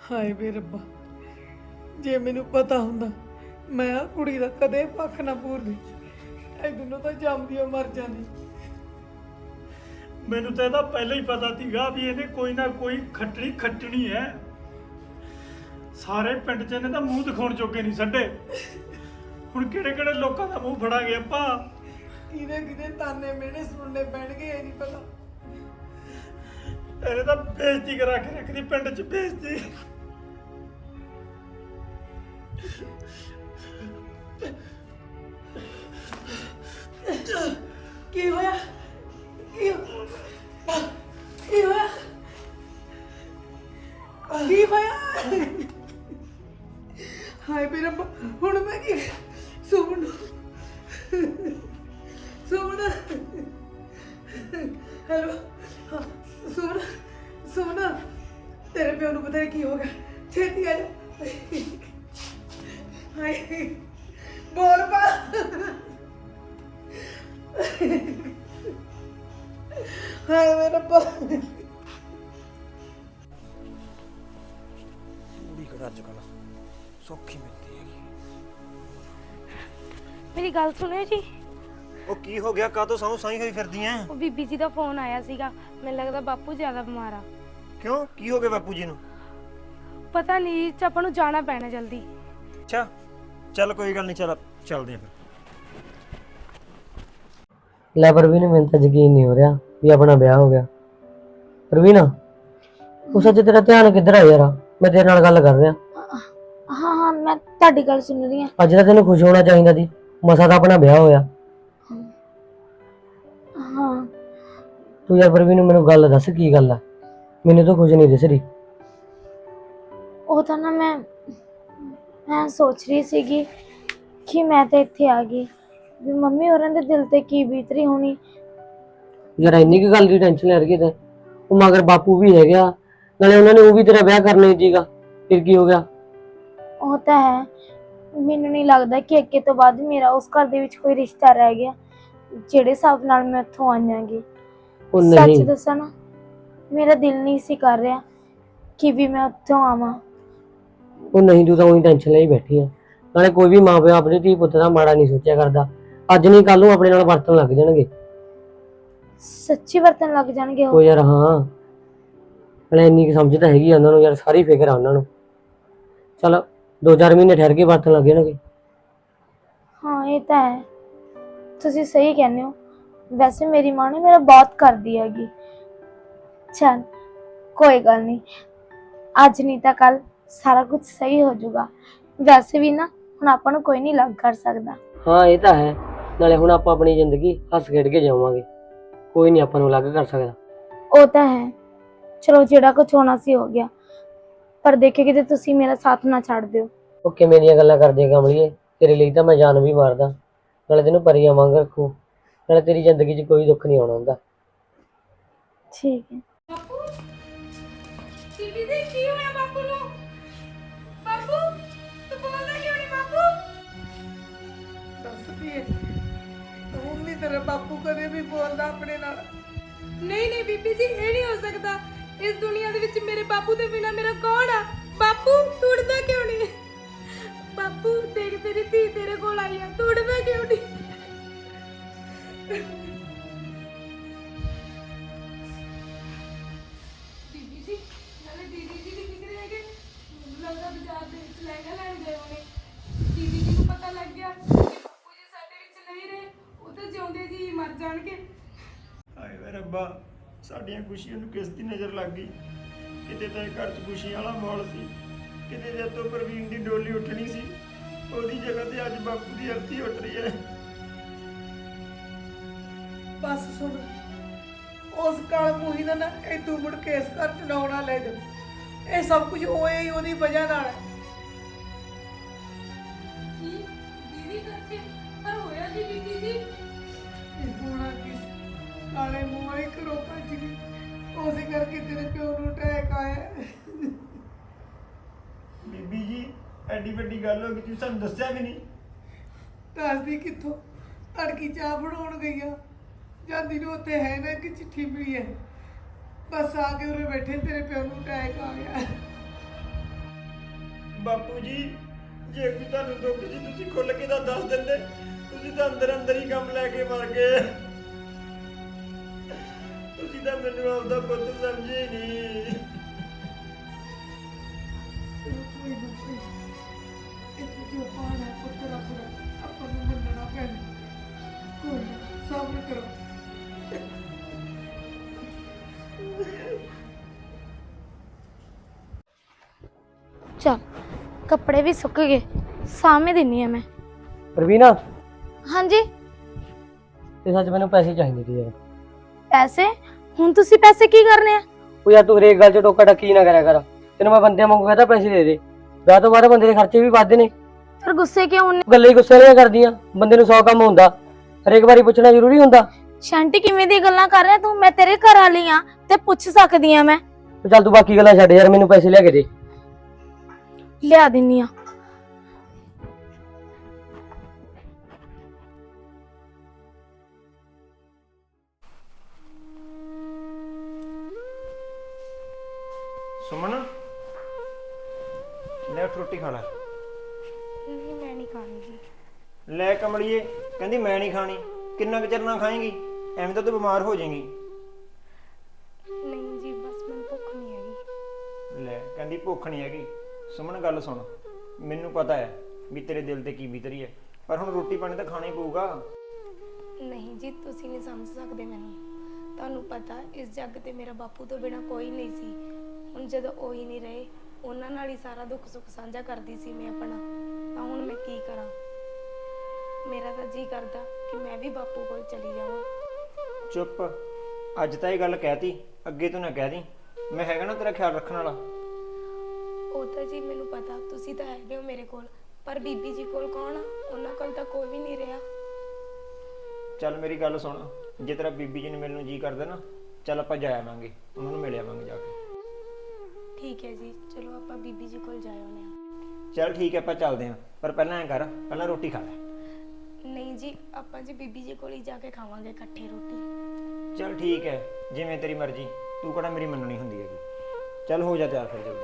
ਹਾਏ ਵੇ ਰੱਬਾ, ਜੇ ਮੈਨੂੰ ਪਤਾ ਹੁੰਦਾ ਮੈਂ ਆ ਕੁੜੀ ਦਾ ਕਦੇ ਪੱਖ ਨਾ ਪੂਰਦੀ, ਇਹ ਦੋਨੋਂ ਤਾਂ ਜੰਮਦੀਆਂ ਮਰ ਜਾਂਦੀ। ਮੈਨੂੰ ਤਾਂ ਇਹਦਾ ਪਹਿਲਾਂ ਹੀ ਪਤਾ ਸੀਗਾ ਵੀ ਇਹਨੇ ਕੋਈ ਨਾ ਕੋਈ ਖੱਟਣੀ ਖੱਟਣੀ ਹੈ। ਸਾਰੇ ਪਿੰਡ 'ਚ ਇਹਨੇ ਤਾਂ ਮੂੰਹ ਦਿਖਾਉਣ ਜੋਗੇ ਨਹੀਂ ਛੱਡੇ। ਹੁਣ ਕਿਹੜੇ ਕਿਹੜੇ ਲੋਕਾਂ ਦਾ ਮੂੰਹ ਫੜਾਂਗੇ ਆਪਾਂ। ਕਿਹਦੇ ਤਾਨੇ ਮਿਹਣੇ ਸੁਣਨੇ ਪੈਣਗੇ, ਇਹ ਨਹੀਂ ਪਤਾ। ਇਹਨੇ ਤਾਂ ਬੇਇੱਜ਼ਤੀ ਕਰਾ ਕੇ ਰੱਖਦੀ ਪਿੰਡ 'ਚ, ਬੇਇੱਜ਼ਤੀ। ਕੀ ਹੋਇਆ? ਕੀ ਹੋਇਆ? ਕੀ ਹੋਇਆ? ਹਾਏ ਮੇਰਾ ਹੁਣ ਮੈਂ ਕੀ ਸੁਣ ਹੈਲੋ, ਸੁਣ ਤੇਰੇ ਪਿਓ ਨੂੰ ਪਤਾ ਨਹੀਂ ਕੀ ਹੋ ਗਿਆ, ਛੇਤੀ ਆ ਜਾ। ਹਾਏ ਬੋਲ ਪਾ। ਹਾਏ ਮੇਰਾ ਰੱਬਾ। ਕੁੜੀ ਕਿਹੜਾ ਅੱਜ ਕੱਲ੍ਹ ਸੌਖੀ ਮਿਲਦੀ ਹੈਗੀ। ਮੇਰੀ ਗੱਲ ਸੁਣਿਓ ਜੀ। ਉਹ ਕੀ ਹੋ ਗਿਆ? ਕਾਹਤੋਂ ਸਾਊ ਸਾਈ ਹੋਈ ਫਿਰਦੀ ਐ? ਉਹ ਬੀਬੀ ਜੀ ਦਾ ਫੋਨ ਆਇਆ ਸੀਗਾ, ਮੈਨੂੰ ਲੱਗਦਾ ਬਾਪੂ ਜ਼ਿਆਦਾ ਬਿਮਾਰ ਆ। ਕਿਉਂ, ਕੀ ਹੋ ਗਿਆ ਬਾਪੂ ਜੀ ਨੂੰ? ਪਤਾ ਨਹੀਂ, ਆਪਾਂ ਨੂੰ ਜਾਣਾ ਪੈਣਾ ਜਲਦੀ। ਅੱਛਾ ਚੱਲ ਕੋਈ ਗੱਲ ਨਹੀਂ, ਚੱਲਦੇ ਆਂ ਫਿਰ। ਲੈ ਪ੍ਰਵੀਨ, ਮੈਨੂੰ ਤਾਂ ਯਕੀਨ ਨਹੀਂ ਹੋ ਰਿਹਾ ਵੀ ਆਪਣਾ ਵਿਆਹ ਹੋ ਗਿਆ। ਪ੍ਰਵੀਨ, ਉਹ ਸੱਚ ਤੇਰਾ ਧਿਆਨ ਕਿੱਧਰ ਆ ਯਾਰ? ਮੈਂ ਤੇਰੇ ਨਾਲ ਗੱਲ ਕਰ ਰਿਹਾ। ਹਾਂ ਮੈਂ ਤੁਹਾਡੀ ਗੱਲ ਸੁਣ ਰਹੀ ਹਾਂ। ਅੱਜ ਤਾਂ ਤੈਨੂੰ ਖੁਸ਼ ਹੋਣਾ ਚਾਹੀਦਾ ਸੀ, ਮਸਾ ਤਾਂ ਆਪਣਾ ਵਿਆਹ ਹੋਇਆ। ਹਾਂ ਤੂੰ ਯਾਰ ਪ੍ਰਵੀਨ ਮੈਨੂੰ ਗੱਲ ਦੱਸ, ਕੀ ਗੱਲ ਆ? ਮੈਨੂੰ ਤਾਂ ਕੁਝ ਨਹੀਂ ਦਿਸ ਰਹੀ। ਉਹ ਤਾਂ ਨਾ ਮੈਂ ਸੋਚ ਰਹੀ ਸੀਗੀ ਕਿ ਮੈਂ ਤਾਂ ਇੱਥੇ ਆ ਗਈ ਵੀ ਮੰਮੀ ਹੋਰਾਂ ਦੇ ਦਿਲ ਤੇ ਕੀ ਬੀਤ ਰਹੀ ਹੋਣੀ। ਯਾਰ ਇੰਨੀ ਕੀ ਗੱਲ ਦੀ ਟੈਨਸ਼ਨ ਲੈ ਰਹੀ ਤੇ ਉਹ ਮਗਰ ਬਾਪੂ ਵੀ ਹੈਗਾ, ਨਾਲੇ ਉਹਨਾਂ ਨੇ ਉਹ ਵੀ ਤੇਰਾ ਵਿਆਹ ਕਰਨਾ ਹੀ ਸੀਗਾ, ਫਿਰ ਕੀ ਹੋ ਗਿਆ? ਉਹ ਤਾਂ ਹੈ, ਮੈਨੂੰ ਨਹੀਂ ਲੱਗਦਾ ਕਿ ਅੱਗੇ ਤੋਂ ਬਾਅਦ ਮੇਰਾ ਉਸ ਘਰ ਦੇ ਵਿੱਚ ਕੋਈ ਰਿਸ਼ਤਾ ਰਹਿ ਗਿਆ ਜਿਹੜੇ ਹਿਸਾਬ ਨਾਲ ਮੈਂ ਉੱਥੋਂ ਆਈਆਂਗੀ। ਉਹ ਸੱਚ ਨਹੀਂ, ਦੱਸਾਂ ਨਾ, ਮੇਰਾ ਦਿਲ ਨਹੀਂ ਸੀ ਕਰ ਰਿਹਾ ਕਿ ਵੀ ਮੈਂ ਉੱਥੋਂ ਆਵਾਂ। ਉਹ ਨਹੀਂ, ਤੂੰ ਤਾਂ ਉਹੀ ਟੈਨਸ਼ਨ ਲਈ ਬੈਠੀ ਆ। ਨਾਲੇ ਕੋਈ ਵੀ ਮਾਂ ਪਿਓ ਆਪਣੇ ਧੀ ਪੁੱਤ ਦਾ ਮਾੜਾ ਨਹੀਂ ਸੋਚਿਆ ਕਰਦਾ। ਅੱਜ ਨਹੀਂ ਕੱਲ ਨੂੰ ਆਪਣੇ ਨਾਲ ਵਰਤਣ ਲੱਗ ਜਾਣਗੇ। ਸੱਚੀ ਵਰਤਣ ਲੱਗ ਜਾਣਗੇ ਉਹ ਯਾਰ ਹਾਂ, ਨਾਲੇ ਇੰਨੀ ਕੁ ਸਮਝ ਤਾਂ ਹੈਗੀ ਆ ਉਹਨਾਂ ਨੂੰ ਯਾਰ, ਸਾਰੀ ਫਿਕਰ ਆ ਉਹਨਾਂ ਨੂੰ। ਚਲ 2-4 ਮਹੀਨੇ ਠਹਿਰ ਕੇ ਵਰਤਣ ਲੱਗ ਜਾਣਗੇ। ਹਾਂ ਇਹ ਤਾਂ ਹੈ, ਤੁਸੀਂ ਸਹੀ ਕਹਿੰਦੇ ਹੋ। ਵੈਸੇ ਮੇਰੀ ਮਾਂ ਨੇ ਮੇਰਾ ਬਹੁਤ ਕਰਦੀ ਹੈਗੀ। ਚੱਲ ਕੋਈ ਗੱਲ ਨਹੀਂ, ਅੱਜ ਨਹੀਂ ਤਾਂ ਕੱਲ ਸਾਰਾ ਕੁਝ ਸਹੀ ਹੋ ਜਾਊਗਾ। ਵੈਸੇ ਵੀ ਨਾ ਹੁਣ ਆਪਾਂ ਨੂੰ ਕੋਈ ਨਹੀਂ ਲੱਗ ਕਰ ਸਕਦਾ। ਹਾਂ ਇਹ ਤਾਂ ਹੈ, ਨਾਲੇ ਹੁਣ ਆਪਾਂ ਆਪਣੀ ਜ਼ਿੰਦਗੀ ਹੱਸ ਖੇਡ ਕੇ ਜਾਵਾਂਗੇ, ਕੋਈ ਨਹੀਂ ਆਪਾਂ ਨੂੰ ਅਲੱਗ ਕਰ ਸਕਦਾ। ਉਹ ਤਾਂ ਹੈ, ਚਲੋ ਜਿਹੜਾ ਕੁਝ ਹੋਣਾ ਸੀ ਹੋ ਗਿਆ, ਪਰ ਦੇਖੇ ਕਿਤੇ ਤੁਸੀਂ ਮੇਰਾ ਸਾਥ ਨਾ ਛੱਡ ਦਿਓ। ਉਹ ਕਿਵੇਂ ਦੀਆਂ ਗੱਲਾਂ ਕਰਦੀ ਕਮਲੀਏ, ਤੇਰੇ ਲਈ ਤਾਂ ਮੈਂ ਜਾਨ ਵੀ ਮਾਰਦਾ, ਨਾਲੇ ਤੈਨੂੰ ਪਰੀਆਂ ਵਾਂਗ ਰੱਖੂ, ਨਾਲੇ ਤੇਰੀ ਜ਼ਿੰਦਗੀ 'ਚ ਕੋਈ ਦੁੱਖ ਨਹੀਂ ਆਉਣਾ ਹੁੰਦਾ। ਠੀਕ ਹੈ। ਬਾਪੂ ਬੀਬੀ ਦੇ ਕੀ ਹੋਇਆ ਬਾਪੂ ਨੂੰ? ਬਾਪੂ ਤੂੰ ਬੋਲਦਾ ਕਿਉਂ ਨਹੀਂ? ਬਾਪੂ ਦੱਸਦੀ ਏ ਹੁਣ ਨਹੀਂ ਤੇਰਾ ਬਾਪੂ ਕਦੇ ਵੀ ਬੋਲਦਾ ਆਪਣੇ ਨਾਲ। ਨਹੀਂ ਬੀਬੀ ਜੀ, ਇਹ ਨਹੀਂ ਹੋ ਸਕਦਾ। ਇਸ ਦੁਨੀਆ ਦੇ ਵਿੱਚ ਮੇਰੇ ਬਾਪੂ ਦੇ ਬਿਨਾ ਮੇਰਾ ਕੌਣ ਆ? ਬਾਪੂ ਤੂੰ ਉੱਠਦਾ ਕਿਉਂ ਨਹੀਂ? ਬਾਪੂ ਦੇਖ, ਤੇਰੀ ਧੀ ਤੇਰੇ ਕੋਲ ਆਈ ਆ, ਤੂੰ ਉੱਠਦਾ ਕਿਉਂ ਨਹੀਂ? ਬੀਬੀ ਜੀ, ਨਾਲੇ ਦੀਦੀ ਜੀ ਵੀ ਦਿਖ ਰਹੇ ਹੈਗੇ, ਲੱਗਦਾ ਬਾਜ਼ਾਰ ਦੇ ਵਿੱਚ ਲਹਿੰਗਾ ਲੈਣ ਗਏ ਹੋਣੇ। ਦੀਦੀ ਜੀ ਨੂੰ ਪਤਾ ਲੱਗ ਗਿਆ ਕਿ ਬਾਪੂ ਜੀ ਸਾਡੇ ਵਿੱਚ ਨਹੀਂ ਰਹੇ, ਉਹ ਤਾਂ ਜਿਉਂਦੇ ਜੀ ਮਰ ਜਾਣਗੇ। ਹਾਏ ਵੇ ਰੱਬਾ, ਸਾਡੀਆਂ ਖੁਸ਼ੀਆਂ ਨੂੰ ਕਿਸ ਦੀ ਨਜ਼ਰ ਲੱਗ ਗਈ। ਕਿਤੇ ਤਾਂ ਇਹ ਘਰ 'ਚ ਖੁਸ਼ੀਆਂ ਵਾਲਾ ਮਾਹੌਲ ਸੀ, ਕਿਤੇ ਜਦ ਤੋਂ ਪ੍ਰਵੀਨ ਦੀ ਡੋਲੀ ਉੱਠਣੀ ਸੀ ਉਹਦੀ ਜਗ੍ਹਾ ਤੇ ਅੱਜ ਬਾਪੂ ਦੀ ਅਰਥੀ ਉੱਠ ਰਹੀ ਹੈ। ਬਸ ਸੁਣ, ਉਸ ਕਾਲ ਮੂਹੀ ਦਾ ਨਾ ਤੂੰ ਮੁੜ ਕੇ ਇਸ ਘਰ ਚ ਨਾ ਲੈ ਜਾ। ਇਹ ਸਭ ਕੁਝ ਹੋਇਆ ਹੀ ਉਹਦੀ ਵਜ੍ਹਾ ਨਾਲ ਹੈ। ਕੀ ਦੀਦੀ ਕਰਕੇ? ਪਰ ਹੋਇਆ ਕੀ ਬੀਬੀ ਜੀ? ਇਹ ਹੋਣਾ ਕੀ ਸੀ, ਕਾਲੇ ਮੂੰਹ ਵਾਲੀ ਘਰੋਂ ਭੱਜ ਗਈ, ਉਸੇ ਕਰਕੇ ਤੇਰੇ ਪਿਓ ਨੂੰ ਅਟੈਕ ਆਇਆ। ਬੀਬੀ ਜੀ, ਐਡੀ ਵੱਡੀ ਗੱਲ ਹੋ ਗਈ, ਤੁਸੀਂ ਸਾਨੂੰ ਦੱਸਿਆ ਵੀ ਨਹੀਂ। ਦੱਸਦੀ ਕਿੱਥੋਂ, ਤੜਕੀ ਚਾਹ ਬਣਾਉਣ ਗਈਆਂ, ਜਾਂਦੀ ਨੂੰ ਉੱਥੇ ਹੈ ਨਾ ਕਿ ਚਿੱਠੀ ਮਿਲੀ ਹੈ, ਬਸ ਆ ਕੇ ਉਰੇ ਬੈਠੇ ਤੇਰੇ ਪਿਓ ਨੂੰ ਅਟੈਕ ਆ ਗਿਆ। ਬਾਪੂ ਜੀ ਜੇ ਕੋਈ ਤੁਹਾਨੂੰ ਦੁੱਖ ਸੀ ਤੁਸੀਂ ਖੁੱਲ ਕੇ ਤਾਂ ਦੱਸ ਦਿੰਦੇ। ਤੁਸੀਂ ਤਾਂ ਅੰਦਰ ਅੰਦਰ ਹੀ ਕੰਮ ਲੈ ਕੇ ਮਰ ਗਏ। ਤੁਸੀਂ ਤਾਂ ਮੈਨੂੰ ਆਪਦਾ ਪੁੱਤ ਸਮਝੇ ਨਹੀਂ। ਚਲੋ ਕੋਈ ਨਾ ਕੋਈ ਇਹ ਜੋ ਪਾਣਾ ਪੁੱਤ ਰੱਬ ਦਾ ਆਪਾਂ ਨੂੰ ਮੰਨਣਾ ਪੈਣਾ। ਕੋਈ ਨਾ ਸਬਰ ਕਰੋ। ਚਲ ਕੱਪੜੇ ਵੀ ਸੁੱਕ ਗਏ, ਸਾਹਮਣੇ ਦਿੰਨੀ ਆ ਮੈਂ। ਪ੍ਰਵੀਨ ਹਾਂਜੀ ਤੇ ਸੱਚ ਮੈਨੂੰ ਪੈਸੇ ਚਾਹੀਦੇ ਸੀ ਯਾਰ। ਪੈਸੇ? ਹੁਣ ਤੁਸੀਂ ਪੈਸੇ ਕੀ ਕਰਨੇ ਆ? ਉਹ ਯਾਰ ਤੂੰ ਹਰੇਕ ਗੱਲ 'ਚ ਟੋਕਾ ਟੱਕੀ ਨਾ ਕਰਿਆ ਕਰ। ਤੈਨੂੰ ਮੈਂ ਬੰਦਿਆਂ ਵਾਂਗੂ ਕਹਿੰਦਾ ਪੈਸੇ ਦੇ ਦੇ। ਵਿਆਹ ਤੋਂ ਬਾਅਦ ਬੰਦੇ ਦੇ ਖਰਚੇ ਵੀ ਵੱਧਦੇ ਨੇ। ਫਿਰ ਗੁੱਸੇ ਕਿਉਂ ਹੁੰਨੇ? ਗੱਲਾਂ ਹੀ ਗੁੱਸੇ ਵਾਲੀਆਂ ਕਰਦੀਆਂ। ਬੰਦੇ ਨੂੰ 100 ਕੰਮ ਹੁੰਦਾ, ਹਰੇਕ ਵਾਰੀ ਪੁੱਛਣਾ ਜ਼ਰੂਰੀ ਹੁੰਦਾ। ਸ਼ਾਂਟੀ ਕਿਵੇਂ ਦੀ ਗੱਲਾਂ ਕਰ ਰਿਹਾ ਤੂੰ? ਮੈਂ ਤੇਰੇ ਘਰ ਵਾਲੀ ਆ ਤੇ ਪੁੱਛ ਸਕਦੀ ਆ ਮੈਂ। ਤੇ ਚੱਲ ਤੂੰ ਬਾਕੀ ਗੱਲਾਂ ਛੱਡ ਯਾਰ, ਮੈਨੂੰ ਪੈਸੇ ਲਿਆ ਕੇ ਦੇ। ਲਿਆ ਦਿੰਨੀ ਆ। ਸੁਮਨ ਲੈ ਉੱਠ ਰੋਟੀ ਖਾ ਲੈ। ਨਹੀਂ ਮੈਂ ਨਹੀਂ ਖਾਣੀ ਜੀ। ਲੈ ਕਮਲੀਏ ਕਹਿੰਦੀ ਮੈਂ ਨਹੀਂ ਖਾਣੀ। ਕਿੰਨਾ ਕੁ ਚਿਰ ਨਾ ਖਾਏਂਗੀ? ਐਵੇਂ ਤਾਂ ਤੂੰ ਬਿਮਾਰ ਹੋ ਜਾਏਂਗੀ। ਨਹੀਂ ਜੀ ਬਸ ਮੈਨੂੰ ਭੁੱਖ ਨਹੀਂ ਹੈਗੀ। ਲੈ ਕਹਿੰਦੀ ਭੁੱਖ ਨਹੀਂ ਹੈਗੀ। ਸੁਮਨ ਗੱਲ ਸੁਣ, ਮੈਨੂੰ ਪਤਾ ਹੈ ਵੀ ਤੇਰੇ ਦਿਲ ਤੇ ਕੀ ਬੀਤ ਰਹੀ ਹੈ, ਪਰ ਹੁਣ ਰੋਟੀ ਪਾਣੀ ਤਾਂ ਖਾਣਾ ਹੀ ਪਊਗਾ। ਨਹੀਂ ਜੀ ਤੁਸੀਂ ਨਹੀਂ ਸਮਝ ਸਕਦੇ ਮੈਨੂੰ। ਤੁਹਾਨੂੰ ਪਤਾ ਇਸ ਜੱਗ ਤੇ ਮੇਰਾ ਬਾਪੂ ਤੋਂ ਬਿਨਾ ਕੋਈ ਨਹੀਂ ਸੀ। ਹੁਣ ਜਦੋਂ ਉਹ ਹੀ ਨਹੀਂ ਰਹੇ, ਉਹਨਾਂ ਨਾਲ ਹੀ ਸਾਰਾ ਦੁੱਖ ਸੁੱਖ ਸਾਂਝਾ ਕਰਦੀ ਸੀ ਮੈਂ ਆਪਣਾ। ਤਾਂ ਹੁਣ ਮੈਂ ਕੀ ਕਰਾਂ? ਮੇਰਾ ਤਾਂ ਜੀ ਕਰਦਾ ਕਿ ਮੈਂ ਵੀ ਬਾਪੂ ਕੋਲ ਚਲੀ ਜਾਵਾਂ। ਚੁੱਪ, ਅੱਜ ਤਾਂ ਇਹ ਗੱਲ ਕਹਿਤੀ, ਅੱਗੇ ਤੋਂ ਨਾ ਕਹਿ ਦੀ। ਮੈਂ ਹੈਗਾ ਨਾ ਤੇਰਾ ਖਿਆਲ ਰੱਖਣ ਵਾਲਾ। ਉਹ ਤਾਂ ਜੀ ਮੈਨੂੰ ਪਤਾ ਤੁਸੀਂ ਤਾਂ ਹੈਗੇ ਹੋ ਮੇਰੇ ਕੋਲ, ਪਰ ਬੀਬੀ ਜੀ ਕੋਲ ਕੌਣ ਆ? ਉਹਨਾਂ ਕੋਲ ਤਾਂ ਕੋਈ ਵੀ ਨਹੀਂ ਰਿਹਾ। ਚੱਲ ਮੇਰੀ ਗੱਲ ਸੁਣ, ਜੇ ਤੇਰਾ ਬੀਬੀ ਜੀ ਨੂੰ ਮਿਲਣ ਨੂੰ ਜੀ ਕਰਦਾ ਨਾ, ਚੱਲ ਆਪਾਂ ਜਾ ਆਵਾਂਗੇ, ਉਹਨਾਂ ਨੂੰ ਮਿਲ ਆਵਾਂਗੇ ਜਾ ਕੇ। ਠੀਕ ਹੈ ਜੀ, ਚਲੋ ਆਪਾਂ ਬੀਬੀ ਜੀ ਕੋਲ ਜਾ ਆਉਂਦੇ ਹਾਂ। ਚੱਲ ਠੀਕ ਹੈ ਆਪਾਂ ਚੱਲਦੇ ਹਾਂ, ਪਰ ਪਹਿਲਾਂ ਐਂ ਕਰ, ਪਹਿਲਾਂ ਰੋਟੀ ਖਾ ਲੈ। ਨਹੀਂ ਜੀ ਆਪਾਂ ਜੀ ਬੀਬੀ ਜੀ ਕੋਲ ਹੀ ਜਾ ਕੇ ਖਾਵਾਂਗੇ ਇਕੱਠੇ ਰੋਟੀ। ਚੱਲ ਠੀਕ ਹੈ, ਜਿਵੇਂ ਤੇਰੀ ਮਰਜ਼ੀ। ਤੂੰ ਕਿਹੜਾ ਮੇਰੀ ਮੰਨਣੀ ਹੁੰਦੀ ਹੈਗੀ। ਚੱਲ ਹੋ ਜਾ ਤਿਆਰ ਫਿਰ ਜਲਦੀ।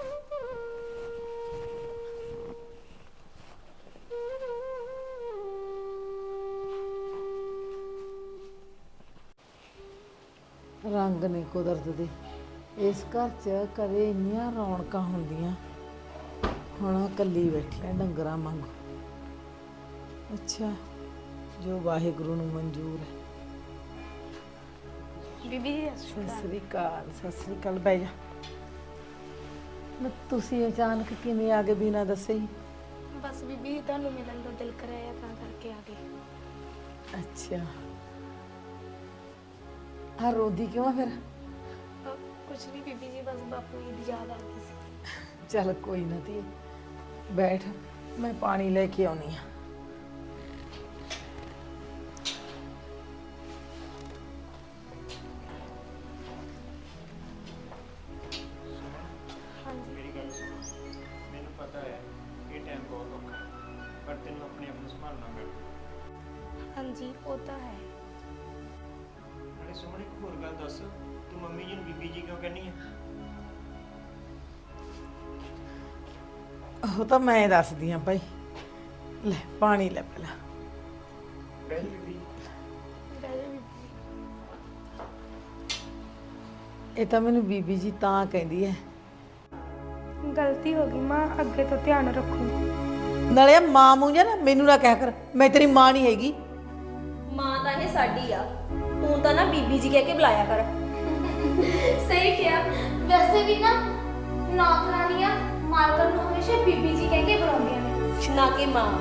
ਰੰਗ ਨੇ ਕੁਦਰਤ ਦੇ। ਇਸ ਘਰ 'ਚ ਕਦੇ ਇੰਨੀਆਂ ਰੌਣਕਾਂ ਹੁੰਦੀਆਂ, ਹੁਣ ਇਕੱਲੀ ਬੈਠੀ ਆ ਡੰਗਰਾਂ ਵਾਂਗੂ। ਅੱਛਾ, ਜੋ ਵਾਹਿਗੁਰੂ ਨੂੰ ਮਨਜ਼ੂਰ ਹੈ। ਬੀਬੀ ਜੀ ਸਤਿ ਸ੍ਰੀ ਅਕਾਲ। ਸਤਿ ਸ੍ਰੀ ਅਕਾਲ। ਬਹਿ ਜਾ। ਮੈਂ ਤੁਸੀਂ ਅਚਾਨਕ ਕਿਵੇਂ ਆ ਗਏ ਬਿਨਾਂ ਦੱਸੇ ਹੀ? ਬਸ ਬੀਬੀ ਤੁਹਾਨੂੰ ਮਿਲਣ ਦਾ ਦਿਲ ਕਰਿਆ ਤਾਂ ਕਰਕੇ ਆ ਗਏ। ਅੱਛਾ, ਆ ਰੋਦੀ ਕਿਉਂ ਆ ਫਿਰ? ਕੁਛ ਨਹੀਂ ਬੀਬੀ ਜੀ, ਬਸ ਬਾਪੂ ਜੀ ਦੀ ਯਾਦ ਆ ਗਈ ਸੀ। ਚੱਲ ਕੋਈ ਨਾ ਧੀਏ, ਬੈਠ, ਮੈਂ ਪਾਣੀ ਲੈ ਕੇ ਆਉਣੀ ਆ। ਮੇਰੀ ਗੱਲ ਸੁਣ, ਮੈਨੂੰ ਪਤਾ ਹੈ ਇਹ ਟਾਈਮ ਬਹੁਤ ਔਖਾ ਹੈ, ਪਰ ਤੈਨੂੰ ਆਪਣੇ ਆਪ ਨੂੰ ਸੰਭਾਲਣਾ ਪੈਣਾ। ਹਾਂਜੀ ਉਹ ਤਾਂ ਹੈ। ਨਾਲੇ ਸੁਮਨ ਇੱਕ ਹੋਰ ਗੱਲ ਦੱਸ, ਤੂੰ ਮੰਮੀ ਜੀ ਨੂੰ ਬੀਬੀ ਜੀ ਕਿਉਂ ਕਹਿੰਦੀ ਹੈ? ਉਹ ਤਾਂ ਮੈਂ ਦੱਸਦੀ ਆ ਭਾਈ। ਲੈ ਪਾਣੀ ਲੈ ਪਹਿਲਾਂ। ਬਹਿ ਜਾ ਬੀਬੀ। ਇਹ ਤਾਂ ਮੈਨੂੰ ਬੀਬੀ ਜੀ ਤਾਂ ਕਹਿੰਦੀ ਹੈ। ਗਲਤੀ ਹੋ ਗਈ ਮਾਂ, ਅੱਗੇ ਤੋਂ ਧਿਆਨ ਰੱਖੂ। ਨਾਲੇ ਮਾਂ ਮੂੰਹ ਨਾ ਮੈਨੂੰ ਨਾ ਕਹਿ ਕਰ, ਮੈਂ ਤੇਰੀ ਮਾਂ ਨਹੀਂ ਹੈਗੀ। ਮਾਂ ਤਾਂ ਇਹ ਸਾਡੀ ਆ, ਤੂੰ ਤਾਂ ਨਾ ਬੀਬੀ ਜੀ ਕਹਿ ਕੇ ਬੁਲਾਇਆ ਕਰ। ਸਹੀ ਕਿਹਾ। ਵੈਸੇ ਵੀ ਨਾ ਨੌਕਰਾਨੀਆਂ ਮਾਲਕਾਂ ਨੂੰ ਹਮੇਸ਼ਾ ਬੀਬੀ ਜੀ ਕਹਿ ਕੇ ਬੁਲਾਉਂਦੀਆਂ ਨੇ, ਨਾ ਕਿ ਮਾਂ।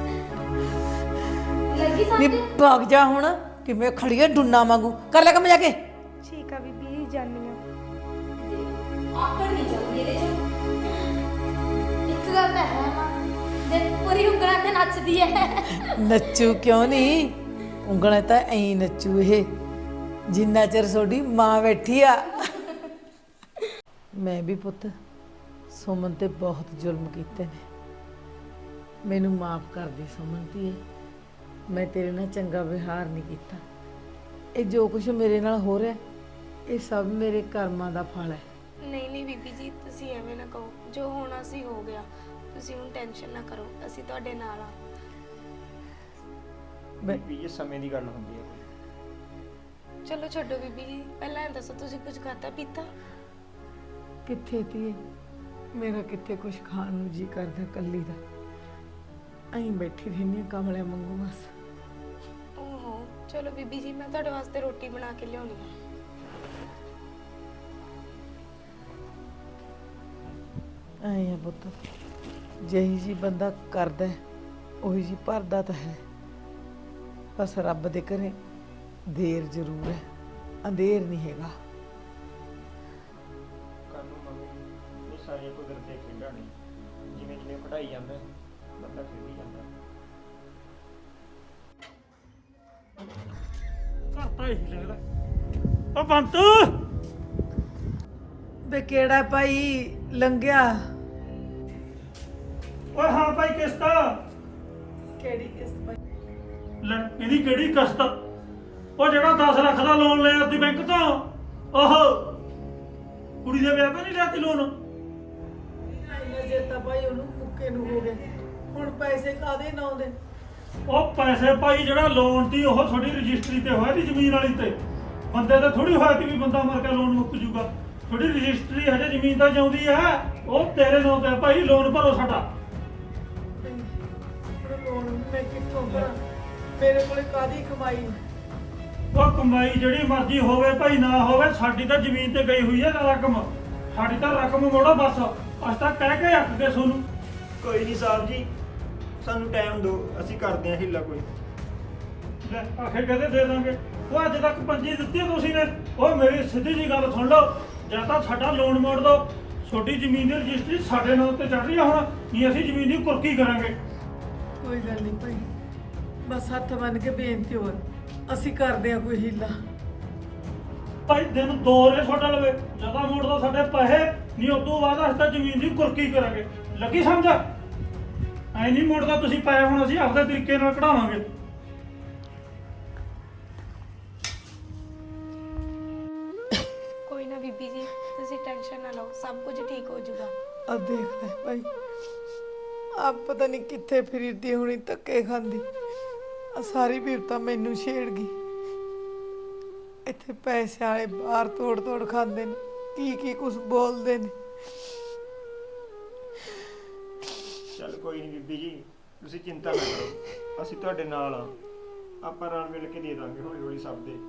ਲੱਗੀ ਨੀ ਸਮਝ? ਭੱਗ ਜਾ ਹੁਣ, ਕਿਵੇਂ ਖੜੀ ਹੈ ਡੁੰਨਾ ਵਾਂਗੂ। ਕਰ ਲੈ ਕੰਮ ਜਾ ਕੇ। ਠੀਕ ਆ ਬੀਬੀ ਜੀ, ਜਾਨੀ ਆ। ਆਕੜ ਨਹੀਂ ਜਾਂਦੀ ਇਹਦੇ ਚ। ਇੱਕ ਗੱਲ ਤਾਂ ਹੈ ਮਾਂ, ਜੇ ਪੂਰੀ ਉਂਗਲਾਂ ਤੇ ਨੱਚਦੀ ਹੈ। ਨੱਚੂ ਕਿਉਂ ਨਹੀਂ, ਉਂਗਲਾਂ ਤਾਂ ਐਂ ਨੱਚੂ ਇਹ ਜਿੰਨਾ ਚਿਰ ਤੁਹਾਡੀ ਮਾਂ ਬੈਠੀ ਆ। ਮੈਂ ਵੀ ਪੁੱਤ ਸੁਮਨ ਤੇ ਬਹੁਤ ਜ਼ੁਲਮ ਕੀਤੇ ਨੇ, ਮੈਨੂੰ ਮਾਫ ਕਰ ਦੇ ਸੁਮਨ ਧੀਏ। ਮੈਂ ਤੇਰੇ ਨਾਲ ਚੰਗਾ ਵਿਹਾਰ ਨਹੀਂ ਕੀਤਾ। ਇਹ ਜੋ ਕੁਝ ਮੇਰੇ ਨਾਲ ਹੋ ਰਿਹਾ, ਇਹ ਸਭ ਮੇਰੇ ਕਰਮਾਂ ਦਾ ਫਲ ਹੈ। ਨਹੀਂ ਨਹੀਂ ਬੀਬੀ ਜੀ, ਤੁਸੀਂ ਐਵੇਂ ਨਾ ਕਹੋ। ਜੋ ਹੋਣਾ ਸੀ ਹੋ ਗਿਆ। ਤੁਸੀਂ ਹੁਣ ਟੈਨਸ਼ਨ ਨਾ ਕਰੋ, ਅਸੀਂ ਤੁਹਾਡੇ ਨਾਲ ਆ। ਬੀਬੀ ਇਹ ਸਮੇਂ ਦੀ ਗੱਲ ਹੁੰਦੀ ਹੈ ਕੋਈ। ਚਲੋ ਛੱਡੋ ਬੀਬੀ ਜੀ, ਪਹਿਲਾਂ ਇਹ ਦੱਸੋ ਤੁਸੀਂ ਕੁਝ ਖਾਧਾ ਪੀਤਾ? ਕਿੱਥੇ ਤੀ ਮੇਰਾ ਕਿੱਥੇ ਕੁਝ ਖਾਣ ਨੂੰ ਜੀ ਕਰਦਾ ਕੱਲੀ ਦਾ। ਐਂ ਬੈਠੀ ਰਹਿੰਦੀ ਹਾਂ ਕਮਲਿਆਂ ਵਾਂਗੂ ਬਸ। ਓਹੋ ਚਲੋ ਬੀਬੀ ਜੀ, ਮੈਂ ਤੁਹਾਡੇ ਵਾਸਤੇ ਰੋਟੀ ਬਣਾ ਕੇ ਲਿਆਉਣੀ ਆ। ਐਂ ਆ ਪੁੱਤ, ਜਿਹੀ ਜੀ ਬੰਦਾ ਕਰਦਾ ਉਹੀ ਜੀ ਭਰਦਾ ਤਾਂ ਹੈ। ਬਸ ਰੱਬ ਦੇ ਘਰੇ ਦੇਰ ਜ਼ਰੂਰ ਹੈ, ਅੰਧੇਰ ਨਹੀਂ ਹੈਗਾ। ਕੱਲ ਨੂੰ ਮੰਮੀ ਇਹ ਸਾਰੀਆਂ ਕੁਦਰਤ ਦੇ ਖੇਡਾਂ ਨੇ, ਜਿਵੇਂ ਜਿਵੇਂ ਪੜ੍ਹਾਈ ਜਾਂਦਾ ਹੈ, ਬੰਦਾ ਖੇਡੀ ਜਾਂਦਾ ਹੈ। ਘਰ ਹੀ ਲੱਗਦਾ। ਉਹ ਬੰਤੂ ਵੇ ਕਿਹੜਾ ਭਾਈ ਲੰਘਿਆ? ਓਏ ਹਾਂ ਭਾਈ ਕਿਸ਼ਤਾ ਕਿਹੜੀ ਕਿਸ ਭਾਈ? ਲੈ ਇਹਦੀ ਕਿਹੜੀ ਕਿਸ਼ਤ? ਉਹ ਜਿਹੜਾ 10 ਲੱਖ ਦਾ ਲੋਨ ਲਿਆ ਤੁਸੀਂ ਬੈਂਕ ਤੋਂ, ਉਹ ਕੁੜੀ ਦੇ ਵਿਆਹ ਤੇ ਨਹੀਂ ਲਿਆ ਤੀ ਲੋਨ? ਇੰਨਾ ਚਿਰ ਤਾਂ ਭਾਈ ਉਹਨੂੰ ਮੁੱਕੇ ਨੂੰ ਹੋ ਗਏ, ਹੁਣ ਪੈਸੇ ਕਾਦੇ ਨਾ ਆਉਂਦੇ? ਉਹ ਪੈਸੇ ਭਾਈ ਜਿਹੜਾ ਲੋਨ ਤੀ ਉਹ ਤੁਹਾਡੀ ਰਜਿਸਟਰੀ ਤੇ ਹੋਇਆ ਤੀ ਜ਼ਮੀਨ ਵਾਲੀ ਤੇ, ਬੰਦੇ ਤੇ ਥੋੜੀ ਹੋਇਆ ਤੀ ਵੀ ਬੰਦਾ ਮਰ ਕੇ ਲੋਨ ਮੁੱਕ ਜੂਗਾ। ਤੁਹਾਡੀ ਰਜਿਸਟਰੀ ਹਜੇ ਜ਼ਮੀਨ ਤਾਂ ਜਿਉਂਦੀ ਹੈ, ਉਹ ਤੇਰੇ ਨਾਂ ਤੇ ਭਾਈ ਲੋਨ ਭਰੋ ਸਾਡਾ। ਲੋਨ ਮੈਂ ਕਿੱਥੋਂ ਭਰਾਂ? ਮੇਰੇ ਕੋਲੇ ਕਾਦੀ ਕਮਾਈ? ਉਹ ਕਮਾਈ ਜਿਹੜੀ ਮਰਜ਼ੀ ਹੋਵੇ ਭਾਈ ਨਾ ਹੋਵੇ, ਸਾਡੀ ਤਾਂ ਜ਼ਮੀਨ ਤੇ ਗਈ ਹੋਈ ਹੈ ਰਕਮ, ਸਾਡੀ ਤਾਂ ਰਕਮ ਮੋੜੋ ਬਸ। ਅਸੀਂ ਤਾਂ ਕਹਿ ਕੇ ਅੱਕ ਗਏ ਤੁਹਾਨੂੰ। ਕੋਈ ਨਹੀਂ ਸਾਹਿਬ ਜੀ, ਸਾਨੂੰ ਟਾਈਮ ਦਿਓ, ਅਸੀਂ ਕਰਦੇ ਹਾਂ ਹਿੱਲਾ ਕੋਈ। ਲੈ ਆਖੇ ਕਹਦੇ ਦੇ ਦਾਂਗੇ। ਉਹ ਅੱਜ ਤੱਕ ਪੰਜੀ ਦਿੱਤੀ ਤੁਸੀਂ ਨੇ। ਉਹ ਮੇਰੀ ਸਿੱਧੀ ਜੀ ਗੱਲ ਸੁਣ ਲਓ, ਜਾਂ ਤਾਂ ਸਾਡਾ ਲੋਨ ਮੋੜ ਦਿਓ, ਛੋਟੀ ਜ਼ਮੀਨ ਦੀ ਰਜਿਸਟਰੀ ਸਾਡੇ ਨਾਂ ਤੇ ਚੜ ਰਹੀ ਆ ਹੁਣ, ਨਹੀਂ ਅਸੀਂ ਜ਼ਮੀਨ ਦੀ ਕੁਰਕੀ ਕਰਾਂਗੇ। ਕੋਈ ਗੱਲ ਨਹੀਂ ਭਾਈ, ਬਸ ਹੱਥ ਬੰਨ ਕੇ ਬੇਨਤੀ ਹੋਰ, ਅਸੀਂ ਕਰਦੇ ਆ ਕੋਈ ਹੀਲਾ। ਭਾਈ ਦਿਨ 2 ਰੇ ਤੁਹਾਡਾ ਲਵੇ, ਜਿਆਦਾ ਮੋੜਦਾ ਸਾਡੇ ਪੈਸੇ, ਨਹੀਂ ਉਦੋਂ ਬਾਅਦ ਅਸੀਂ ਤਾਂ ਜ਼ਮੀਨ ਦੀ ਕੁਰਕੀ ਕਰਾਂਗੇ। ਲੱਗੀ ਸਮਝ? ਐ ਨਹੀਂ ਮੋੜਦਾ ਤੁਸੀਂ ਪੈਸੇ, ਹੁਣ ਅਸੀਂ ਆਪਦੇ ਤਰੀਕੇ ਨਾਲ ਕਢਾਵਾਂਗੇ। ਕੋਈ ਨਾ ਬੀਬੀ ਜੀ, ਤੁਸੀਂ ਟੈਨਸ਼ਨ ਨਾ ਲਓ, ਸਭ ਕੁਝ ਠੀਕ ਹੋ ਜਾਊਗਾ। ਆ ਦੇਖ ਲੈ ਭਾਈ, ਆ ਪਤਾ ਨਹੀਂ ਕਿੱਥੇ ਫਿਰਦੀ ਹੋਣੀ, ਧੱਕੇ ਖਾਂਦੀ। ਆ ਸਾਰੀ ਬਿਪਤਾ ਮੈਨੂੰ ਛੇੜ ਗਈ। ਇੱਥੇ ਪੈਸੇ ਵਾਲੇ ਬਾਹਰ ਤੋੜ ਤੋੜ ਖਾਂਦੇ ਨੇ, ਕੀ ਕੀ ਕੁਝ ਬੋਲਦੇ ਨੇ। ਚੱਲ ਕੋਈ ਨਹੀਂ ਬੀਬੀ ਜੀ, ਤੁਸੀਂ ਚਿੰਤਾ ਨਾ ਕਰੋ, ਅਸੀਂ ਤੁਹਾਡੇ ਨਾਲ ਆ। ਆਪਾਂ ਰਲ ਮਿਲ ਕੇ ਦੇ ਦਾਂਗੇ ਹੌਲੀ ਹੌਲੀ ਸਭ ਦੇ।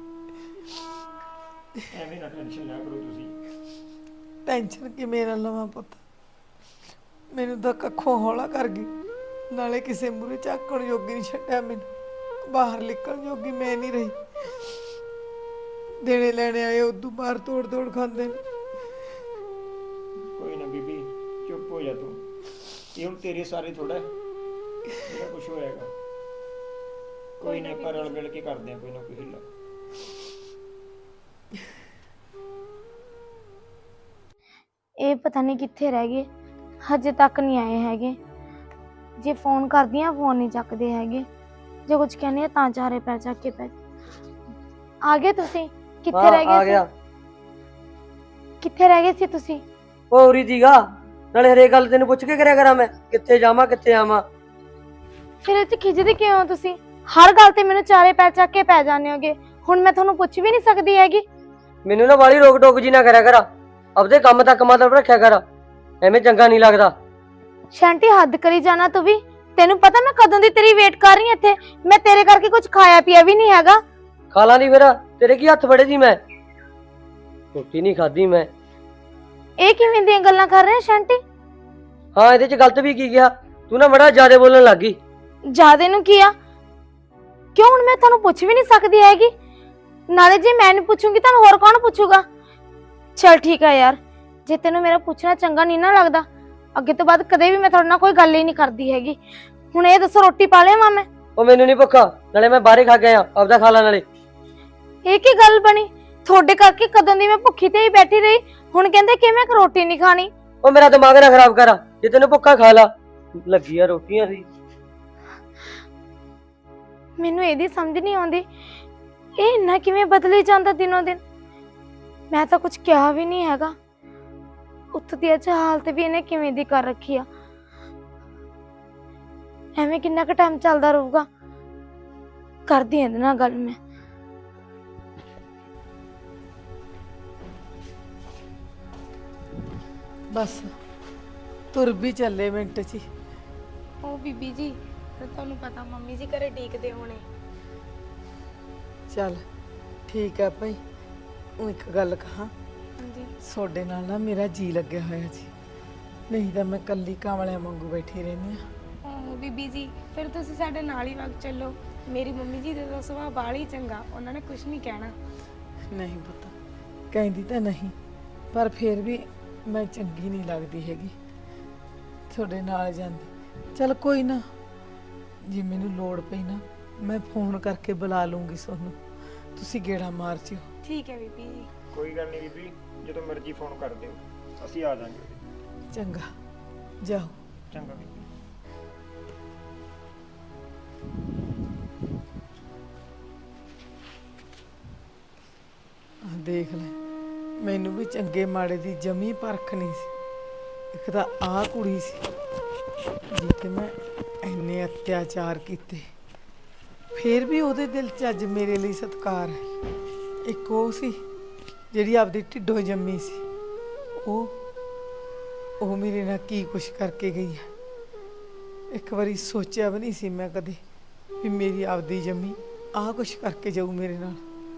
ਐਵੇਂ ਨਾ ਟੈਨਸ਼ਨ ਲਿਆ ਕਰੋ ਤੁਸੀਂ। ਟੈਨਸ਼ਨ ਕਿਵੇਂ ਨਾ ਲਵਾਂ ਪੁੱਤ, ਮੈਨੂੰ ਤਾਂ ਕੱਖੋਂ ਹੌਲਾ ਕਰ ਗਈ। ਨਾਲੇ ਕਿਸੇ ਮੂਹਰੇ ਝਾਕਣ ਜੋਗੀ ਨਹੀਂ ਛੱਡਿਆ ਮੈਨੂੰ, ਬਾਹਰ ਨਿਕਲਣ ਜੋਗੀ ਮੈਂ ਨਹੀਂ ਰਹੀ। ਦੇਣੇ ਲੈਣੇ ਆਏ ਉਦੋਂ ਬਾਹਰ ਤੋੜ ਤੋੜ ਖਾਂਦੇ ਨੇ। ਕੋਈ ਨਾ ਬੀਬੀ, ਚੁੱਪ ਹੋ ਜਾ ਤੂੰ। ਇਹ ਹੁਣ ਤੇਰੇ ਸਾਰੇ ਥੋੜਾ ਜਿਹੜਾ ਕੁਝ ਹੋਏਗਾ। ਕੋਈ ਨਾ, ਆਪਾਂ ਰਲ ਮਿਲ ਕੇ ਕਰਦੇ ਆ ਕੋਈ ਨਾ ਕੋਈ ਹਿੱਲਾ। ਇਹ ਪਤਾ ਨਹੀਂ ਕਿੱਥੇ ਰਹਿ ਗਏ, ਹਜੇ ਤੱਕ ਨਹੀਂ ਆਏ ਹੈਗੇ। ਜੇ ਫੋਨ ਕਰਦੀ ਆ ਫੋਨ ਨਹੀਂ ਚੱਕਦੇ ਹੈਗੇ, ਜੇ ਕੁਝ ਕਹਿੰਦੀ ਆ ਤਾਂ ਚਾਰੇ ਪੈ ਚੱਕ ਕੇ ਪੈ। ਆ ਗਏ ਤੁਸੀਂ? ਕਿੱਥੇ ਰਹਿ ਆ ਗਏ ਗਿਆ। ਸੀ? ਕਿੱਥੇ ਰਹਿ ਗਏ ਸੀ ਤੁਸੀਂ? ਉਹ ਉਰੀ ਦੀਗਾ, ਨਾਲੇ ਹਰੇਕ ਗੱਲ ਤੈਨੂੰ ਪੁੱਛ ਕੇ ਕਰਿਆ ਕਰਾਂ ਮੈਂ, ਕਿੱਥੇ ਜਾਵਾਂ ਕਿੱਥੇ ਆਵਾਂ। ਫਿਰ ਇਹ 'ਚ ਖਿਜਦੇ ਕਿਉਂ ਹੋ ਤੁਸੀਂ? ਹਰ ਗੱਲ ਤੇ ਮੈਨੂੰ ਚਾਰੇ ਪੈ ਚੱਕ ਕੇ ਪੈ ਜਾਂਦੇ ਹੋਗੇ। ਹੁਣ ਮੈਂ ਤੁਹਾਨੂੰ ਪੁੱਛ ਵੀ ਨਹੀਂ ਸਕਦੀ ਹੈਗੀ। ਮੈਨੂੰ ਨਾ ਵਾਲੀ ਰੋਕ ਟੋਕ ਜੀ ਨਾ ਕਰਿਆ ਕਰ, ਆਪਦੇ ਕੰਮ ਤੱਕ ਮਤਲਬ ਰੱਖਿਆ ਕਰ, ਐਵੇਂ ਚੰਗਾ ਨਹੀਂ ਲੱਗਦਾ। ਸ਼ਾਂਟੀ ਹੱਦ ਕਰੀ ਜਾਣਾ ਤੂੰ ਵੀ। ਤੈਨੂੰ ਪਤਾ ਮੈਂ ਕਦੋਂ ਦੀ ਤੇਰੀ ਵੇਟ ਕਰ ਰਹੀ ਹਾਂ ਇੱਥੇ। ਮੈਂ ਤੇਰੇ ਕਰਕੇ ਕੁਝ ਖਾਇਆ ਪੀਆ ਵੀ ਨਹੀਂ ਹੈਗਾ। ਖਾ ਲਾਂ ਦੀ ਫਿਰ, ਤੇਰੇ ਕੀ ਹੱਥ ਫੜੇ ਸੀ ਮੈਂ? ਰੋਟੀ ਨਹੀਂ ਖਾਧੀ ਮੈਂ। ਇਹ ਕਿਵੇਂ ਦੀਆਂ ਗੱਲਾਂ ਕਰ ਰਹੇ ਸ਼ਾਂਟੀ? ਹਾਂ ਇਹਦੇ ਚ ਗਲਤ ਵੀ ਕੀ ਗਿਆ? ਤੂੰ ਨਾ ਬੜਾ ਜ਼ਿਆਦਾ ਬੋਲਣ ਲੱਗ ਗਈ। ਜਿਆਦੇ ਨੂੰ ਕੀ ਆ? ਕਿਉਂ ਹੁਣ ਮੈਂ ਤੁਹਾਨੂੰ ਪੁੱਛ ਵੀ ਨਹੀਂ ਸਕਦੀ ਹੈਗੀ? ਨਾਲੇ ਜੇ ਮੈਂ ਨਹੀਂ ਪੁੱਛੂੰਗੀ ਤੁਹਾਨੂੰ ਹੋਰ ਕੌਣ ਪੁੱਛੂਗਾ? ਚਲ ਠੀਕ ਹੈ ਯਾਰ, ਜੇ ਤੈਨੂੰ ਮੇਰਾ ਪੁੱਛਣਾ ਚੰਗਾ ਨਹੀਂ ਨਾ ਲੱਗਦਾ, ਅੱਗੇ ਤੋਂ ਬਾਅਦ ਕਦੇ ਵੀ ਮੈਂ ਤੁਹਾਡੇ ਨਾਲ ਕੋਈ ਗੱਲ ਹੀ ਨਹੀਂ ਕਰਦੀ ਹੈਗੀ। ਹੁਣ ਇਹ ਦੱਸੋ, ਰੋਟੀ ਪਾ ਲਿਆ ਮੈਂ? ਉਹ ਮੈਨੂੰ ਨਹੀਂ ਭੁੱਖਾ, ਨਾਲੇ ਮੈਂ ਬਾਹਰੇ ਖਾ ਕੇ ਆਇਆ, ਆਪਦਾ ਖਾ ਲਾ ਨਾਲੇ। ਇਹ ਕੀ ਗੱਲ ਬਣੀ? ਤੁਹਾਡੇ ਕਰਕੇ ਕਦੋਂ ਦੀ ਮੈਂ ਭੁੱਖੀ ਤੇ ਹੀ ਬੈਠੀ ਰਹੀ, ਹੁਣ ਕਹਿੰਦੇ ਕਿ ਮੈਂ ਰੋਟੀ ਨਹੀਂ ਖਾਣੀ। ਉਹ ਮੇਰਾ ਦਿਮਾਗ ਨਾ ਖਰਾਬ ਕਰ, ਜੇ ਤੈਨੂੰ ਭੁੱਖਾ ਖਾ ਲਾ, ਲੱਗੀ ਆ ਰੋਟੀਆਂ ਦੀ। ਮੈਨੂੰ ਇਹਦੀ ਸਮਝ ਨਹੀਂ ਆਉਂਦੀ, ਇਹ ਇੰਨਾ ਕਿਵੇਂ ਬਦਲੀ ਜਾਂਦਾ ਦਿਨੋਂ ਦਿਨ। ਮੈਂ ਤਾਂ ਕੁਝ ਕਿਹਾ ਵੀ ਨਹੀਂ ਹੈਗਾ, ਉੱਥੇ ਦੀ ਅੱਜ ਹਾਲਤ ਵੀ ਇਹਨੇ ਕਿਵੇਂ ਦੀ ਕਰ ਰੱਖੀ ਆ। ਐਵੇਂ ਕਿੰਨਾ ਕੁ ਟਾਈਮ ਚੱਲਦਾ ਰਹੂਗਾ। ਕਰਦੀ ਇਹਦੇ ਨਾਲ ਗੱਲ ਮੈਂ। ਬਸ ਤੁਰ ਵੀ ਚੱਲੇ ਮਿੰਟ 'ਚ ਹੀ। ਉਹ ਬੀਬੀ ਜੀ ਫਿਰ ਤੁਹਾਨੂੰ ਪਤਾ ਮੰਮੀ ਜੀ ਘਰੇ ਡੀਕਦੇ ਹੋਣੇ। ਚੱਲ ਠੀਕ ਹੈ ਭਾਈ। ਉਹ ਇੱਕ ਗੱਲ ਕਹਾਂ, ਹਾਂਜੀ ਤੁਹਾਡੇ ਨਾਲ ਨਾ ਮੇਰਾ ਜੀ ਲੱਗਿਆ ਹੋਇਆ ਜੀ, ਨਹੀਂ ਤਾਂ ਮੈਂ ਕੱਲੀ ਕਾਂਵਲਿਆਂ ਵਾਂਗੂ ਬੈਠੀ ਰਹਿੰਦੀ ਆ। ਉਹ ਬੀਬੀ ਜੀ ਫਿਰ ਤੁਸੀਂ ਸਾਡੇ ਨਾਲ ਹੀ ਵਗ ਚੱਲੋ। ਮੇਰੀ ਮੰਮੀ ਜੀ ਦਾ ਸੁਭਾਅ ਬਾਹਲਾ ਹੀ ਚੰਗਾ, ਉਹਨਾਂ ਨੇ ਕੁਝ ਨਹੀਂ ਕਹਿਣਾ। ਨਹੀਂ ਪਤਾ, ਕਹਿੰਦੀ ਤਾਂ ਨਹੀਂ, ਪਰ ਫਿਰ ਵੀ ਮੈਂ ਚੰਗੀ ਨਹੀਂ ਲੱਗਦੀ ਹੈਗੀ ਤੁਹਾਡੇ ਨਾਲ ਜਾਂਦੀ। ਚੱਲ ਕੋਈ ਨਾ, ਜੇ ਮੈਨੂੰ ਲੋੜ ਪਈ ਨਾ ਮੈਂ ਫੋਨ ਕਰਕੇ ਬੁਲਾ ਲੂੰਗੀ ਤੁਹਾਨੂੰ, ਤੁਸੀਂ ਗੇੜਾ ਮਾਰ ਜਿਓ। ਠੀਕ ਹੈ ਬੀਬੀ ਜੀ। ਕੋਈ ਗੱਲ ਨਹੀਂ ਬੀਬੀ, ਜਦੋਂ ਮਰਜ਼ੀ ਫੋਨ ਕਰ ਦਿਓ, ਅਸੀਂ ਆ ਜਾਵਾਂਗੇ। ਚੰਗਾ, ਜਾਓ। ਚੰਗਾ ਬੀਬੀ। ਆਹ ਦੇਖ ਲੈ, ਮੈਨੂੰ ਵੀ ਚੰਗੇ ਮਾੜੇ ਦੀ ਜਮੀ ਪਰਖ ਨਹੀਂ ਸੀ। ਇੱਕ ਤਾਂ ਆਹ ਕੁੜੀ ਸੀ ਜਿੱਤੇ ਮੈਂ ਇੰਨੇ ਅਤਿਆਚਾਰ ਕੀਤੇ, ਫਿਰ ਵੀ ਉਹਦੇ ਦਿਲ 'ਚ ਅੱਜ ਮੇਰੇ ਲਈ ਸਤਿਕਾਰ ਹੈ। ਇੱਕ ਉਹ ਸੀ ਜਿਹੜੀ ਆਪਦੀ ਢਿੱਡੋਂ ਜੰਮੀ ਸੀ, ਉਹ ਮੇਰੇ ਨਾਲ ਕੀ ਕੁਛ ਕਰਕੇ ਗਈ ਹੈ। ਇੱਕ ਵਾਰੀ ਸੋਚਿਆ ਵੀ ਨਹੀਂ ਸੀ ਮੈਂ ਕਦੇ ਵੀ ਮੇਰੀ ਆਪਦੀ ਜੰਮੀ ਆਹ ਕੁਛ ਕਰਕੇ ਜਾਊ ਮੇਰੇ ਨਾਲ।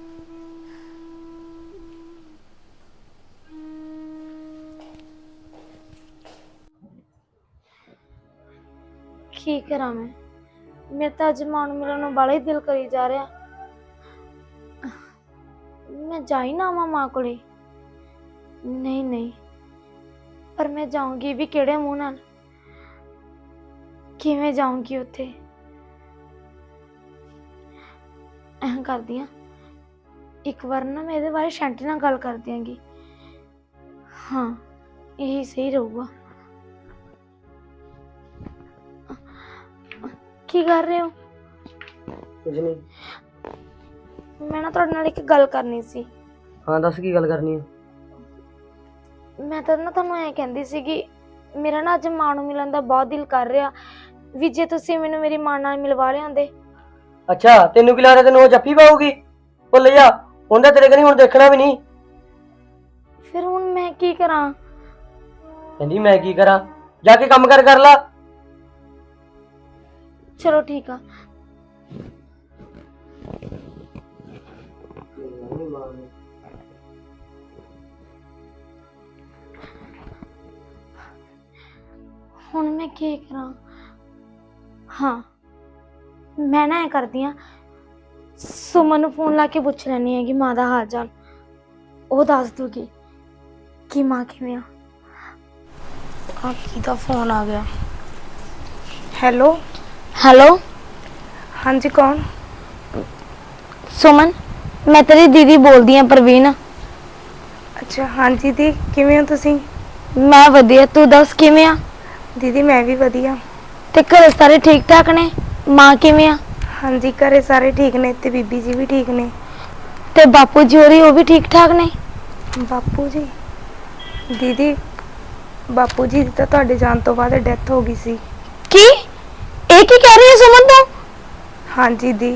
ਕੀ ਕਰਾਂ ਮੈਂ? ਮੇਰੇ ਤਾਂ ਅੱਜ ਮਾਂ ਨੂੰ ਮਿਲਣ ਨੂੰ ਬੜਾ ਹੀ ਦਿਲ ਕਰੀ ਜਾ ਰਿਹਾ। ਮੈਂ ਜਾਈ ਨਾ ਆਵਾਂ ਮਾਂ ਕੋਲੇ? ਨਹੀਂ ਨਹੀਂ, ਪਰ ਮੈਂ ਜਾਊਂਗੀ ਵੀ ਕਿਹੜੇ ਮੂੰਹ ਨਾਲ? ਕਿਵੇਂ ਜਾਊਂਗੀ ਉੱਥੇ? ਐਂ ਕਰਦੀ ਆ, ਇੱਕ ਵਾਰ ਨਾ ਮੈਂ ਇਹਦੇ ਬਾਰੇ ਸ਼ੈਂਟੀ ਨਾਲ ਗੱਲ ਕਰ ਦਿਆਂਗੀ। ਹਾਂ, ਇਹੀ ਸਹੀ ਰਹੂਗਾ। ਕੀ ਕਰ ਰਹੇ ਹੋ? ਕੁਝ ਨਹੀਂ। ਮੈਂ ਨਾ ਤੁਹਾਡੇ ਨਾਲ ਇੱਕ ਗੱਲ ਕਰਨੀ ਸੀ। ਹਾਂ ਦੱਸ, ਕੀ ਗੱਲ ਕਰਨੀ ਆ? ਮੈਂ ਤਾਂ ਨਾ ਤੁਹਾਨੂੰ ਐਂ ਕਹਿੰਦੀ ਸੀਗੀ, ਮੇਰਾ ਨਾ ਅੱਜ ਮਾਂ ਨੂੰ ਮਿਲਣ ਦਾ ਬਹੁਤ ਦਿਲ ਕਰ ਰਿਹਾ, ਵੀ ਜੇ ਤੁਸੀਂ ਮੈਨੂੰ ਮੇਰੀ ਮਾਂ ਨਾਲ ਮਿਲਵਾ ਲਿਆਂਦੇ। ਅੱਛਾ, ਤੈਨੂੰ ਕੀ ਲੱਗਦਾ ਤੈਨੂੰ ਉਹ ਜੱਫੀ ਪਾਊਗੀ? ਭੁੱਲ ਜਾ, ਉਹਦਾ ਤੇਰੇ ਕਨੀ ਹੁਣ ਦੇਖਣਾ ਵੀ ਨਹੀਂ। ਫਿਰ ਹੁਣ ਮੈਂ ਕੀ ਕਰਾਂ? ਕਹਿੰਦੀ ਮੈਂ ਕੀ ਕਰਾਂ? ਜਾ ਕੇ ਕੰਮ ਕਰ ਲਾ। ਚਲੋ ਠੀਕ ਆ। ਹੁਣ ਮੈਂ ਕੀ ਕਰਾਂ? ਹਾਂ, ਮੈਂ ਨਾ ਐ ਕਰਦੀ ਆ, ਸੁਮਨ ਨੂੰ ਫੋਨ ਲਾ ਕੇ ਪੁੱਛ ਲੈਣੀ ਹੈਗੀ ਮਾਂ ਦਾ ਹਾਲ ਚਾਲ। ਉਹ ਦੱਸ ਦੂਗੀ ਕਿ ਮਾਂ ਕਿਵੇਂ ਆ। ਆ ਕਿਹਦਾ ਫੋਨ ਆ ਗਿਆ? ਹੈਲੋ ਹੈਲੋ, ਹਾਂਜੀ ਕੌਣ? ਸੁਮਨ, ਮੈਂ ਤੇਰੀ ਦੀਦੀ ਬੋਲਦੀ ਆ, ਪ੍ਰਵੀਨ। ਅੱਛਾ ਹਾਂਜੀ ਦੀ, ਕਿਵੇਂ ਹੋ ਤੁਸੀਂ? ਮੈਂ ਵਧੀਆ, ਤੂੰ ਦੱਸ ਕਿਵੇਂ ਆ? ਦੀਦੀ ਮੈਂ ਵੀ ਵਧੀਆ। ਤੇ ਘਰੇ ਸਾਰੇ ਠੀਕ ਠਾਕ ਨੇ? ਮਾਂ ਕਿਵੇਂ ਆ? ਹਾਂਜੀ ਘਰੇ ਸਾਰੇ ਠੀਕ ਨੇ ਤੇ ਬੀਬੀ ਜੀ ਵੀ ਠੀਕ ਨੇ। ਤੇ ਬਾਪੂ ਜੀ ਹੋਰੀ, ਉਹ ਵੀ ਠੀਕ ਠਾਕ ਨੇ? ਬਾਪੂ ਜੀ? ਦੀਦੀ ਬਾਪੂ ਜੀ ਦੀ ਤਾਂ ਤੁਹਾਡੇ ਜਾਣ ਤੋਂ ਬਾਅਦ ਡੈਥ ਹੋ ਗਈ ਸੀ। ਕੀ? ਇਹ ਕੀ ਕਹਿ ਰਹੀ ਹੈ ਸੁਮਨ ਤੂੰ? ਹਾਂਜੀ ਦੀ।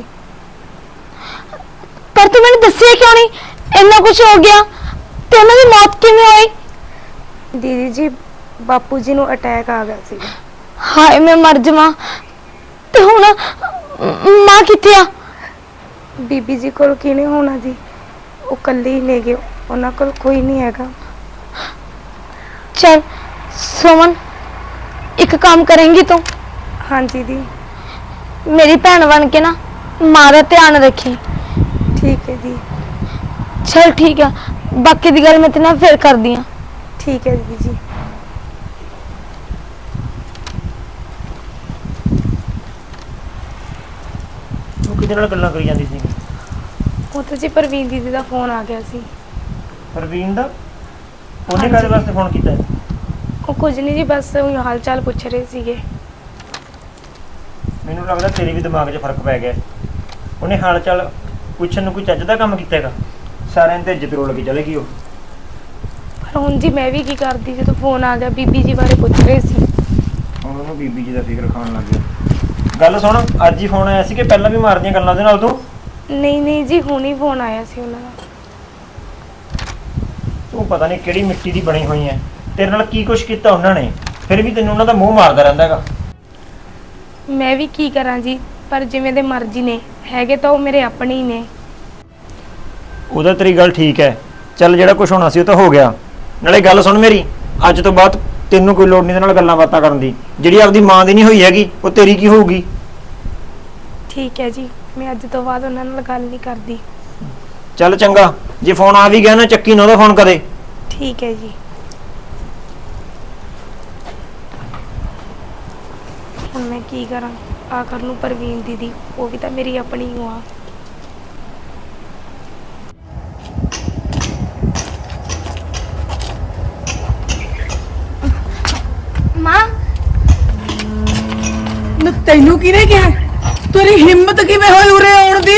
ਪਰ ਤੂੰ ਮੈਨੂੰ ਦੱਸਿਆ ਕਿਉਂ ਨਹੀਂ? ਇੰਨਾ ਕੁਝ ਹੋ ਗਿਆ ਤੇ ਉਹਨਾਂ ਦੀ ਮੌਤ ਕਿਵੇਂ ਹੋਈ? ਦੀਦੀ ਜੀ ਬਾਪੂ ਜੀ ਨੂੰ ਅਟੈਕ ਆ ਗਿਆ ਸੀ। ਹਾਏ ਮੈਂ ਮਰ ਜਾਵਾਂ। ਤੇ ਹੁਣ ਮਾਂ ਕਿੱਥੇ ਆ? ਬੀਬੀ ਜੀ ਕੋਲ ਕਿਹਨੇ ਹੋਣਾ ਜੀ, ਉਹ ਇਕੱਲੇ ਹੀ ਨੇ ਗਏ, ਉਹਨਾਂ ਕੋਲ ਕੋਈ ਨਹੀਂ ਹੈਗਾ। ਚਲ ਸੁਮਨ, ਇੱਕ ਕੰਮ ਕਰੇਂਗੀ ਤੂੰ? ਹਾਂਜੀ ਦੀ। ਮੇਰੀ ਭੈਣ ਬਣ ਕੇ ਨਾ ਮਾਂ ਦਾ ਧਿਆਨ ਰੱਖੀ। ਠੀਕ ਹੈ ਜੀ। ਚਲ ਠੀਕ ਆ, ਬਾਕੀ ਦੀ ਗੱਲ ਮੈਂ ਤੇਰੇ ਨਾਲ ਫਿਰ ਕਰਦੀ ਆ। ਠੀਕ ਹੈ ਦੀਦੀ ਜੀ। ਉਹ ਕਿਹਦੇ ਨਾਲ ਗੱਲਾਂ ਕਰੀ ਜਾਂਦੀ ਸੀ? ਉਹ ਤਾਂ ਜੀ ਪ੍ਰਵੀਨ ਦੀਦੀ ਦਾ ਫੋਨ ਆ ਗਿਆ ਸੀ। ਪ੍ਰਵੀਨ ਦਾ? ਉਹਨੇ ਕਾਹਦੇ ਵਾਸਤੇ ਫੋਨ ਕੀਤਾ ਹੈ? ਉਹ ਕੁਝ ਨਹੀਂ ਜੀ, ਬਸ ਉਹ ਹਾਲ ਚਾਲ ਪੁੱਛ ਰਹੇ ਸੀਗੇ। ਮੈਨੂੰ ਲੱਗਦਾ ਤੇਰੇ ਵੀ ਦਿਮਾਗ 'ਚ ਫਰਕ ਪੈ ਗਿਆ। ਉਹਨੇ ਹਾਲ ਚਾਲ ਪੁੱਛਣ ਨੂੰ ਕੋਈ ਚੱਜ ਦਾ ਕੰਮ ਕੀਤਾ ਹੈਗਾ? ਸਾਰਿਆਂ ਦੀ ਇੱਜ਼ਤ ਰੋਲ ਕੇ ਚਲੇ ਗਈ ਉਹ। ਪਰ ਹੁਣ ਜੀ ਮੈਂ ਵੀ ਕੀ ਕਰਦੀ ਜਦੋਂ ਫੋਨ ਆ ਗਿਆ ਬੀਬੀ ਜੀ ਬਾਰੇ ਪੁੱਛ ਰਹੇ ਸੀ। ਹੁਣ ਉਹਨੂੰ ਬੀਬੀ ਜੀ ਦਾ ਫਿਕਰ ਖਾਣ ਲੱਗ ਗਿਆ। ਗੱਲ ਸੁਣ, ਅੱਜ ਹੀ ਫੋਨ ਆਇਆ ਸੀ ਕਿ ਪਹਿਲਾਂ ਵੀ ਮਾਰਦੀਆਂ ਗੱਲਾਂ ਉਹਦੇ ਨਾਲ ਤੂੰ? ਨਹੀਂ ਜੀ ਹੁਣ ਹੀ ਫੋਨ ਆਇਆ ਸੀ ਉਹਨਾਂ ਦਾ। ਤੂੰ ਪਤਾ ਨਹੀਂ ਕਿਹੜੀ ਮਿੱਟੀ ਦੀ ਬਣੀ ਹੋਈ ਐ, ਤੇਰੇ ਨਾਲ ਕੀ ਕੁਛ ਕੀਤਾ ਉਹਨਾਂ ਨੇ, ਫਿਰ ਵੀ ਤੈਨੂੰ ਉਹਨਾਂ ਦਾ ਮੂੰਹ ਮਾਰਦਾ ਰਹਿੰਦਾ ਹੈਗਾ। ਮੈਂ ਵੀ ਕੀ ਕਰਾਂ ਜੀ, ਪਰ ਜਿਵੇਂ ਦੇ ਮਰਜ਼ੀ ਨੇ, ਹੈਗੇ ਤਾਂ ਉਹ ਮੇਰੇ ਆਪਣੇ ਹੀ ਨੇ। ਉਹਦਾ ਤੇਰੀ ਗੱਲ ਠੀਕ ਹੈ, ਚੱਲ ਜਿਹੜਾ ਕੁਝ ਹੋਣਾ ਸੀ ਉਹ ਤਾਂ ਹੋ ਗਿਆ। ਨਾਲੇ ਗੱਲ ਸੁਣ ਮੇਰੀ, ਅੱਜ ਤੋਂ ਬਾਅਦ ਤੈਨੂੰ ਕੋਈ ਲੋੜ ਨਹੀਂ ਇਹਦੇ ਨਾਲ ਗੱਲਾਂ ਬਾਤਾਂ ਕਰਨ ਦੀ। ਜਿਹੜੀ ਆਪਦੀ ਮਾਂ ਦੀ ਨਹੀਂ ਹੋਈ ਹੈਗੀ ਉਹ ਤੇਰੀ ਕੀ ਹੋਊਗੀ? ਠੀਕ ਹੈ ਜੀ, ਮੈਂ ਅੱਜ ਤੋਂ ਬਾਅਦ ਉਹਨਾਂ ਨਾਲ ਗੱਲ ਨਹੀਂ ਕਰਦੀ। ਚੱਲ ਚੰਗਾ, ਜੇ ਫੋਨ ਆ ਵੀ ਗਿਆ ਨਾ ਚੱਕੀ ਨਾ ਉਹਦਾ ਫੋਨ ਕਦੇ। ਠੀਕ ਹੈ ਜੀ। ਹੁਣ ਮੈਂ ਕੀ ਕਰਾਂ, ਆਖਰ ਨੂੰ ਪ੍ਰਵੀਨ ਦੀਦੀ ਉਹ ਵੀ ਤਾਂ ਮੇਰੀ ਆਪਣੀ ਹੀ ਆ। ਮਾਂ ਨਾ ਤੈਨੂੰ ਕਿਹਨੇ ਕਿਹਾ? ਤੇਰੀ ਹਿੰਮਤ ਕਿਵੇਂ ਹੋਈ ਉਰੇ ਆਉਣ ਦੀ?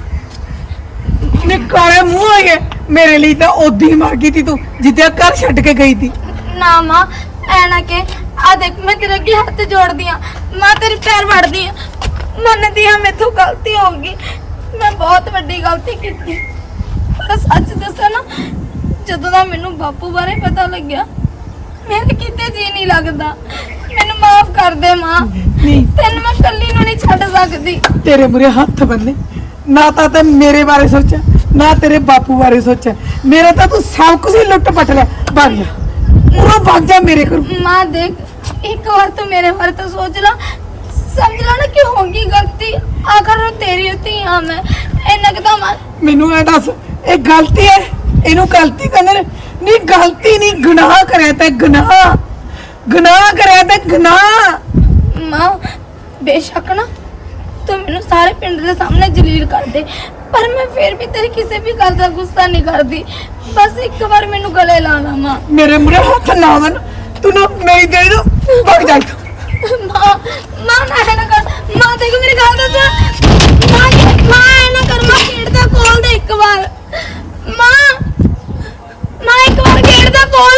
ਨੇ ਕਾਲੇ ਮੂੰਹ ਆਏ ਮੇਰੇ ਲਈ ਤਾਂ ਉਦੋਂ ਹੀ ਮਰ ਗਈ ਤੀ ਤੂੰ, ਜਿੱਦਿਆ ਘਰ ਛੱਡ ਕੇ ਗਈ ਤੀ। ਨਾ ਮਾਂ, ਐ ਨਾ ਕਿ ਆ ਦੇਖ ਮੈਂ ਤੇਰੇ ਅੱਗੇ ਹੱਥ ਜੋੜਦੀ ਆ, ਮਾਂ ਤੇਰੇ ਪੈਰ ਵੜਦੀ ਆ, ਮੰਨਦੀ ਆ ਮੈਥੋਂ ਗਲਤੀ ਹੋ ਗਈ, ਮੈਂ ਬਹੁਤ ਵੱਡੀ ਗਲਤੀ ਕੀਤੀ। ਪਰ ਸੱਚ ਦੱਸਾਂ ਨਾ, ਜਦੋਂ ਦਾ ਮੈਨੂੰ ਬਾਪੂ ਬਾਰੇ ਪਤਾ ਲੱਗਿਆ ਮੇਰੇ ਕਿਤੇ ਜੀ ਨਹੀਂ ਲੱਗਦਾ। ਮੈਨੂੰ ਮਾਫ ਕਰ ਦੇ ਮਾਂ, ਤੈਨੂੰ ਮੈਂ ਕੱਲੀ ਨੂੰ ਨਹੀਂ ਛੱਡ ਸਕਦੀ। ਤੇਰੇ ਮੂਰੇ ਹੱਥ ਬੰਨੇ, ਨਾ ਤਾਂ ਮੇਰੇ ਬਾਰੇ ਸੋਚਿਆ ਨਾ ਤੇਰੇ ਬਾਪੂ ਬਾਰੇ ਸੋਚਿਆ, ਮੇਰਾ ਤਾਂ ਤੂੰ ਸਭ ਕੁਝ ਹੀ ਲੁੱਟ ਪਟ ਲਿਆ। ਭਾਗ ਜਾ, ਉਹ ਭਾਗ ਜਾ ਮੇਰੇ ਕੋਲ। ਮਾਂ ਦੇਖ, ਇੱਕ ਵਾਰ ਤੂੰ ਮੇਰੇ ਬਾਰੇ ਤਾਂ ਸੋਚ ਲਾ, ਸਮਝ ਲਾ ਨਾ ਕਿ ਹੋਗੀ ਗਲਤੀ, ਆਖਰ ਨੂੰ ਤੇਰੀ ਉੱਤੇ ਆ ਮੈਂ ਇੰਨਾ ਕਿਦਾਂ ਮਾਂ। ਮੈਨੂੰ ਐ ਦੱਸ, ਇਹ ਗਲਤੀ ਹੈ? ਇਹਨੂੰ ਗਲਤੀ ਕਹਿੰਦੇ ਨੇ? ਨਹੀਂ ਗਲਤੀ ਨਹੀਂ, ਗੁਨਾਹ ਕਰਿਆ ਤੇ ਗੁਨਾਹ, ਗੁਨਾਹ ਕਰਿਆ ਤੇ ਗੁਨਾਹ। ਮਾਂ ਬੇਸ਼ੱਕ ਨਾ ਤੂੰ ਮੈਨੂੰ ਸਾਰੇ ਪਿੰਡ ਦੇ ਸਾਹਮਣੇ ਜਲੀਲ ਕਰ ਦੇ, ਪਰ ਮੈਂ ਫਿਰ ਵੀ ਤੇਰੀ ਕਿਸੇ ਵੀ ਗੱਲ ਦਾ ਗੁੱਸਾ ਨਹੀਂ ਕਰਦੀ। ਬਸ ਇੱਕ ਵਾਰ ਮੈਨੂੰ ਗਲੇ ਲਾ ਲਾ ਮਾਂ। ਮੇਰੇ ਮੂਰੇ ਹੱਥ ਨਾ ਬੰਨ, ਤੂੰ ਨਾ ਮੇਰੀ ਦੇ ਦੋ, ਭਾਗ ਜਾ ਇੱਥੋਂ। ਮਾਂ ਮਾਂ ਨਾ ਹੈ ਨਾ ਕਰ, ਮਾਂ ਦੇਖ ਮੇਰੀ ਗੱਲ ਦੱਸ ਮਾਂ, ਮਾਂ ਐ ਨਾ ਕਰ, ਮਾਂ ਗੇਟ ਦਾ ਖੋਲ ਦੇ ਇੱਕ ਵਾਰ। ਮਾਂ ਮਾਂ ਇੱਕ ਵਾਰ ਗੇਟ ਦਾ ਖੋਲ।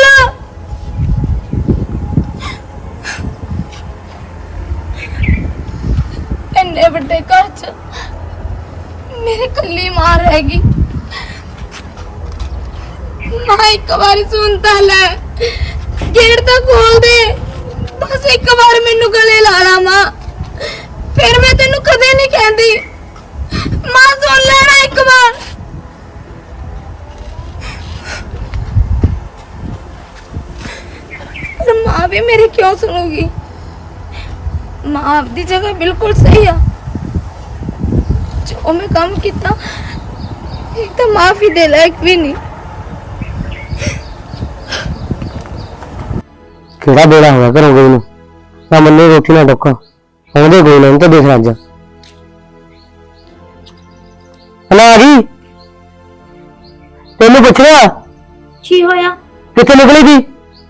ਇੰਨੇ ਵੱਡੇ ਘਰ 'ਚ ਮੇਰੇ ਕੱਲੀ ਮਾਂ ਰਹਿ ਗਈ। ਮਾਂ ਇੱਕ ਵਾਰੀ ਸੁਣ ਤਾਂ ਲੈ, ਗੇਟ ਤਾਂ ਖੋਲ ਦੇ, ਬਸ ਇੱਕ ਵਾਰ ਮੈਨੂੰ ਗਲੇ ਲਾ ਲਾ ਮਾਂ, ਫਿਰ ਮੈਂ ਤੈਨੂੰ ਕਦੇ ਨਹੀਂ ਕਹਿੰਦੀ। ਮਾਂ ਸੁਣ ਲੈ ਨਾ ਇੱਕ ਵਾਰ। ਪਰ ਮਾਂ ਵੀ ਮੇਰੀ ਕਿਉਂ ਸੁਣੂਗੀ? ਮਾਂ ਆਪਦੀ ਜਗ੍ਹਾ ਬਿਲਕੁਲ ਸਹੀ ਆ। ਜੋ ਮੈਂ ਕੰਮ ਕੀਤਾ ਇੱਕ ਤਾਂ ਮਾਫੀ ਦੇ ਲਾਇਕ ਵੀ ਨਹੀਂ। ਕਿਹੜਾ ਬੇੜਾ ਹੋਇਆ ਘਰੋਂ ਗਈ ਨੂੰ, ਨਾ ਮੰਨੇ ਰੋਟੀ ਨਾ ਟੋਕਾ, ਆਉਂਦੇ ਗਈ ਨਾ ਤਾਂ ਦੇਖ ਰਾਜਾ ਹਲਾ ਆ ਗਈ। ਤੈਨੂੰ ਪੁੱਛ ਰਿਹਾ ਕੀ ਹੋਇਆ? ਕਿੱਥੇ ਨਿਕਲੀ ਸੀ?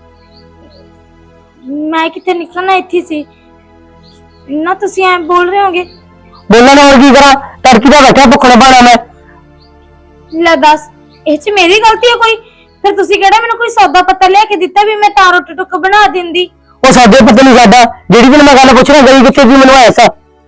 ਮੈਂ ਕਿੱਥੇ ਨਿਕਲਣਾ, ਇੱਥੇ ਸੀ ਨਾ। ਤੁਸੀਂ ਐ ਬੋਲ ਰਹੇ ਹੋਗੇ? ਬੋਲਣਾ ਨਾ, ਹੋਰ ਕੀ ਕਰਾਂ? ਤੜਕੀ ਦਾ ਬੈਠਾ ਭੁੱਖਣਾ ਪਾਣਾ ਮੈਂ। ਲੈ ਦੱਸ, ਇਹ 'ਚ ਮੇਰੀ ਗਲਤੀ ਹੈ ਕੋਈ? ਫਿਰ ਤੁਸੀਂ ਕਿਹੜਾ ਮੈਨੂੰ ਕੋਈ ਸੌਦਾ ਪੱਤਾ ਲਿਆ ਕੇ ਦਿੱਤਾ ਵੀ ਮੈਂ ਤਾਂ ਰੋਟੀ ਟੁੱਕ ਬਣਾ ਦਿੰਦੀ? ਉਹ ਸਾਡੇ ਪਤਾ ਨਹੀਂ ਸਾਡਾ, ਜਿਹੜੀ ਵੀ ਮੈਂ ਗੱਲ ਪੁੱਛ ਰਿਹਾ ਗਈ ਕਿੱਥੇ ਸੀ ਮੈਨੂੰ ਐਸਾ।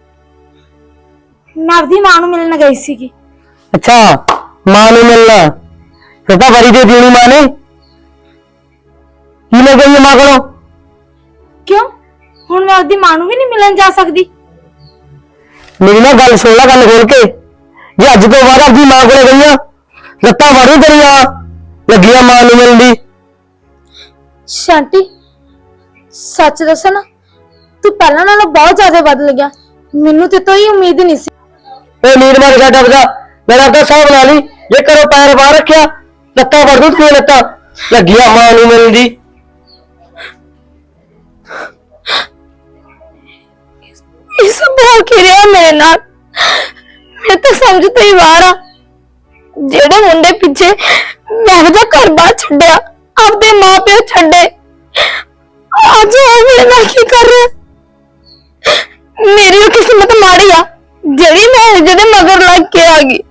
ਮੈਂ ਆਪਦੀ ਮਾਂ ਨੂੰ ਮਿਲਣ ਗਈ ਸੀਗੀ। ਅੱਛਾ, ਮਾਂ ਨੂੰ ਮਿਲਣਾ? ਫਿਰ ਤਾਂ ਵਰੀ ਦੇ ਦੇਣੀ ਮਾਂ ਨੇ। ਕੀ ਲੈ ਗਈ ਮਾਂ ਕੋਲੋਂ? ਕਿਉਂ, ਹੁਣ ਮੈਂ ਆਪਦੀ ਮਾਂ ਨੂੰ ਵੀ ਨਹੀਂ ਮਿਲਣ ਜਾ ਸਕਦੀ? ਮੇਰੀ ਨਾ ਗੱਲ ਸੁਣ ਲੈ, ਗੱਲ ਖੋਲ ਕੇ। ਜੇ ਅੱਜ ਤੋਂ ਬਾਅਦ ਆਪਦੀ ਮਾਂ ਕੋਲੇ ਗਈਆਂ ਲੱਤਾਂ ਵੜੂ ਤੇਰੀਆਂ ਲੱਗੀਆਂ ਮਾਂ ਨੂੰ ਮਿਲਣ ਦੀ। ਸ਼ਾਂਤੀ ਸੱਚ ਦੱਸਾਂ ਨਾ, ਤੂੰ ਪਹਿਲਾਂ ਨਾਲੋਂ ਬਹੁਤ ਜ਼ਿਆਦਾ ਬਦਲ ਗਿਆ। ਮੈਨੂੰ ਤੇ ਤੋਂ ਹੀ ਉਮੀਦ ਨਹੀਂ ਸੀ। ਇਹ ਨੀਰ ਮਾਰ ਗਿਆ ਡੱਬਦਾ, ਮੇਰਾ ਤਾਂ ਸਾਹ ਬਣਾ ਲਈ। ਜੇ ਕਰੋ ਪੈਰ ਬਾਹਰ ਰੱਖਿਆ ਲੱਤਾਂ ਵੜ ਦੂ ਤੇਰੀਆਂ ਲੱਤਾਂ ਲੱਗੀਆਂ ਮਾਂ ਨੂੰ ਮਿਲਣ ਦੀ। ਇਸ ਬੋਲ ਕੇ ਰਿਹਾ ਮੇਰੇ ਨਾਲ, ਮੈਂ ਤਾਂ ਸਮਝ ਤੋਂ ਹੀ ਬਾਹਰ ਆ। ਜਿਹੜੇ ਮੁੰਡੇ ਪਿੱਛੇ ਮੈਂ ਉਹਦਾ ਘਰ-ਬਾਰ ਛੱਡਿਆ, ਆਪਦੇ ਮਾਪਿਓ ਛੱਡੇ, ਅੱਜ ਉਹ ਮੇਰੇ ਨਾਲ ਕੀ ਕਰ ਰਿਹਾ? ਮੇਰੀ ਕਿਸਮਤ ਮਾੜੀ ਆ ਜਿਹੜੀ ਮੈਂ ਜਿਹਦੇ ਮਗਰ ਲੱਗ ਕੇ ਆ ਗਈ।